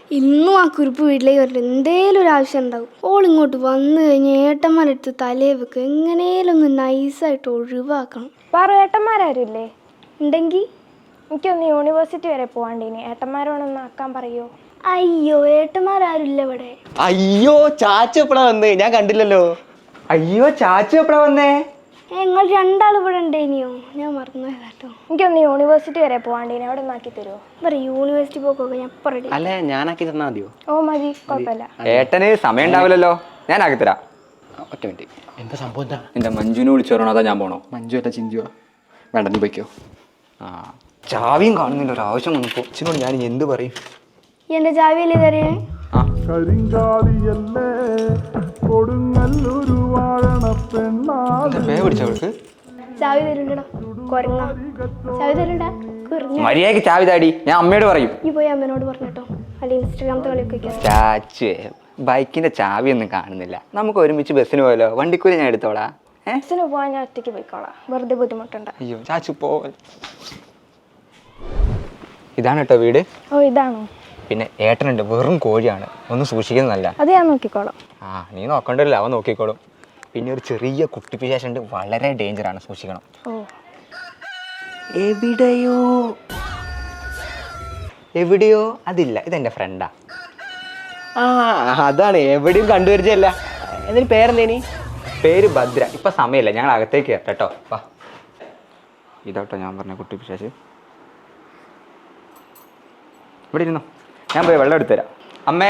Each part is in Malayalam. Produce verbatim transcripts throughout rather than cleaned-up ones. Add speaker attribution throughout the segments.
Speaker 1: ഇന്നും ആ കുറിപ്പ് വീട്ടിലേക്ക് വരില്ല. എന്തേലും ഒരു ആവശ്യം ഉണ്ടാവും. ഓൾ ഇങ്ങോട്ട് വന്നു കഴിഞ്ഞ് ഏട്ടന്മാരെടുത്ത് തലേ വെക്കുക. എങ്ങനെയും ഒന്ന് നൈസായിട്ട് ഒഴിവാക്കണം.
Speaker 2: പറ ഏട്ടന്മാരാരുമില്ലേ?
Speaker 1: ഉണ്ടെങ്കിൽ
Speaker 2: എനിക്കൊന്ന് യൂണിവേഴ്സിറ്റി വരെ പോവാണ്ടിനി. ഏട്ടന്മാരോടൊന്ന് ആക്കാൻ പറയോ?
Speaker 1: അയ്യോ ഏട്ടന്മാരാരുമില്ല ഇവിടെ.
Speaker 3: അയ്യോ ചാച്ചു എപ്പഴാ വന്നേ? ഞാൻ കണ്ടില്ലല്ലോ.
Speaker 4: അയ്യോ ചാച്ചു എപ്പഴാ വന്നേ?
Speaker 1: നിങ്ങൾ രണ്ടാൾ ഇവിടെ ഉണ്ടേനിയോ? ഞാൻ മറന്നു കേട്ടോ.
Speaker 2: എനിക്കൊന്ന് യൂണിവേഴ്സിറ്റി വരെ പോവാണ്ടിനി. അവിടെ ഒന്ന് ആക്കി തരുമോ?
Speaker 1: പറ യൂണിവേഴ്സിറ്റി പോക്കൊക്കെ ഞാൻ പറയും.
Speaker 3: അല്ല ഞാനാക്കി തന്നാ മതിയോ?
Speaker 2: ഓ മതി, കുഴപ്പമില്ല.
Speaker 4: ഏട്ടന് സമയം ഉണ്ടാവില്ലല്ലോ, ഞാൻ ആക്കി തരാം.
Speaker 3: ഒറ്റ മിനിറ്റ്. എന്താ സംഭവം? എന്താ?
Speaker 4: എന്റെ മഞ്ജുവിനെ വിളിച്ചു പറയണോ അതാ ഞാൻ പോണോ?
Speaker 3: മഞ്ജു അല്ല ചിഞ്ചുവാ. വേണ്ട നീ പോയിക്കോ.
Speaker 4: ആ ചാവിയും കാണുന്നില്ല, ഒരു ആവശ്യം വന്നപ്പോ ചിനോട് ഞാൻ എന്ത് പറയും?
Speaker 1: എന്റെ ചാവിയല്ലേ തരേ?
Speaker 4: പിടിച്ചവൾക്ക്
Speaker 1: ചാവി തരുണ്ടോ? കൊരങ്ങ ചാവി തരണ്ട.
Speaker 4: മര്യാദക്ക് ചാവി താടി, ഞാൻ അമ്മയോട് പറയും.
Speaker 1: ഈ പോയി അമ്മേനോട് പറഞ്ഞിട്ടോ, അല്ലെങ്കിൽ ഇൻസ്റ്റാഗ്രാമത്തെ കളിയൊക്കെ.
Speaker 4: ചാച്ചു ബൈക്കിന്റെ ചാവി ഒന്നും കാണുന്നില്ല. നമുക്ക് ഒരുമിച്ച് ബസ്സിന് പോയല്ലോ, വണ്ടിക്കൂലി ഞാൻ എടുത്തോളാം.
Speaker 2: ബസ്സിന് പോവാൻ ഞാൻ ഒറ്റയ്ക്ക് പോയിക്കോളാം, വെറുതെ ബുദ്ധിമുട്ടുണ്ട്.
Speaker 4: അയ്യോ ചാച്ചു പോ. ഇതാണ് കേട്ടോ വീട്.
Speaker 2: ഓ ഇതാണോ?
Speaker 4: പിന്നെ ഏട്ടനുണ്ട്, വെറും കോഴിയാണ്, ഒന്ന് സൂക്ഷിക്കുന്നതല്ല.
Speaker 2: അത് ഞാൻ നോക്കിക്കോളാം.
Speaker 4: ആ നീ നോക്കണ്ടല്ലോ, അവൻ നോക്കിക്കോളും. പിന്നെ ഒരു ചെറിയ കുട്ടിപ്പിശാശ് ഉണ്ട്, വളരെ ഡേഞ്ചറാണ്, സൂക്ഷിക്കണം.
Speaker 2: ഓ
Speaker 4: എവിടെയോ എവിടെയോ അതില്ല, ഇതെന്റെ ഫ്രണ്ടാ.
Speaker 3: ആ അതാണ്, എവിടെയും കണ്ടുവരിച്ചല്ല. എന്തിന് പേരെന്തേനി?
Speaker 4: പേര് ഭദ്ര. ഇപ്പൊ സമയമില്ല, ഞങ്ങൾ അകത്തേക്ക് കയറട്ടെ കേട്ടോ. വാ, ഇതാട്ടോ ഞാൻ പറഞ്ഞ കുട്ടിപ്പിശാശ്. ഇവിടെ ഇരുന്നോ, ഞാൻ പോയി വെള്ളം എടുത്തുതരാം. അമ്മേ.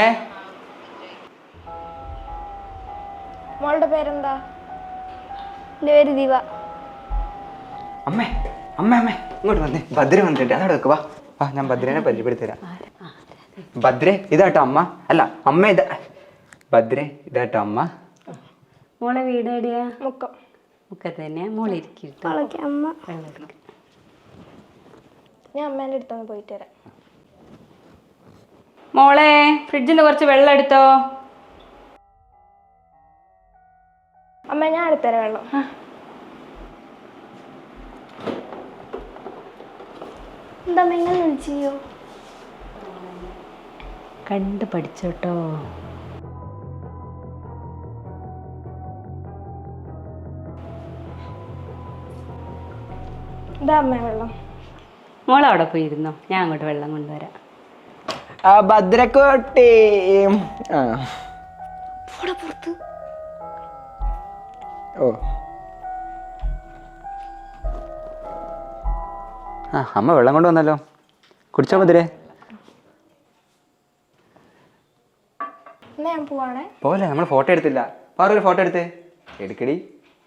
Speaker 2: മോളുടെ പേരെന്താ?
Speaker 1: എൻ്റെ പേര് ദീപ.
Speaker 4: അമ്മേ അമ്മ അമ്മേ ഇങ്ങോട്ട് വന്നേ, ഭദ്ര വന്നിട്ടുണ്ട്, അതവിടെ വെക്ക്. വാ വാ, ഞാൻ ഭദ്രനെ പരിചയപ്പെടുത്തരാം. ഭദ്രേ ഇതാട്ടോ അമ്മ. അല്ല അമ്മ ഇതാ. ഭദ്രേ ഇതാട്ടോ അമ്മ.
Speaker 5: മോളെ വീട് എവിടെയാ?
Speaker 2: മുക്കം.
Speaker 5: മുക്കത്ത് തന്നെ. മോളിരിക്കട്ടോ.
Speaker 1: അമ്മ
Speaker 2: ഞാൻ അമ്മേൻ്റെ അടുത്തൊന്ന് പോയിട്ട് വരാം.
Speaker 5: മോളെ ഫ്രിഡ്ജിൽ നിന്ന് കുറച്ച് വെള്ളം എടുത്തോ.
Speaker 2: അമ്മ ഞാൻ എടുത്തരാം വെള്ളം.
Speaker 1: എന്താ നിങ്ങൾ വിളിച്ചോ?
Speaker 5: കണ്ട് പഠിച്ചോട്ടോ.
Speaker 2: ഇതാ അമ്മ വെള്ളം.
Speaker 5: മോളവിടെ പോയിരുന്നോ, ഞാൻ അങ്ങോട്ട് വെള്ളം കൊണ്ടുവരാം.
Speaker 3: ആ ഭദ്രക്കോട്ടെ. ആ
Speaker 1: പുറത്ത്.
Speaker 3: ഓ
Speaker 4: ആ അമ്മ വെള്ളം കൊണ്ട് വന്നല്ലോ, കുടിച്ചോ ഭദ്രേ.
Speaker 2: എന്നാ ഞാൻ പോവാണേ.
Speaker 4: പോലെ നമ്മൾ ഫോട്ടോ എടുത്തില്ല. വേറൊരു ഫോട്ടോ എടുത്തേ. എടുക്കടി.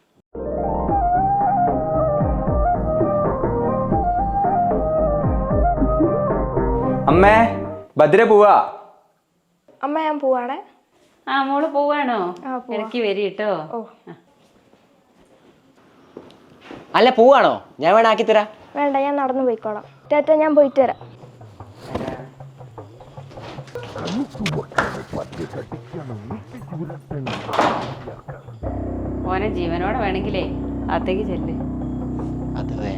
Speaker 4: അമ്മേ ഭദ്ര പോവാ.
Speaker 2: അമ്മ ഞാൻ പോവാണേ.
Speaker 5: ആ മോള് പോവാണോ?
Speaker 2: ആ, പോവാ.
Speaker 5: ഇടയ്ക്ക് വരി കേട്ടോ.
Speaker 2: ഓ
Speaker 3: അല്ല പോവാണോ? ഞാൻ വേണം ആക്കി തരാം.
Speaker 2: വേണ്ട, ഞാൻ നടന്നു പോയിക്കോളാം. ടാറ്റ, ഞാൻ പോയിട്ട് വരാം.
Speaker 5: ഓനെ ജീവനോടെ വേണമെങ്കിലേ അത്തേക്ക് ചെല്ല്.
Speaker 3: അത്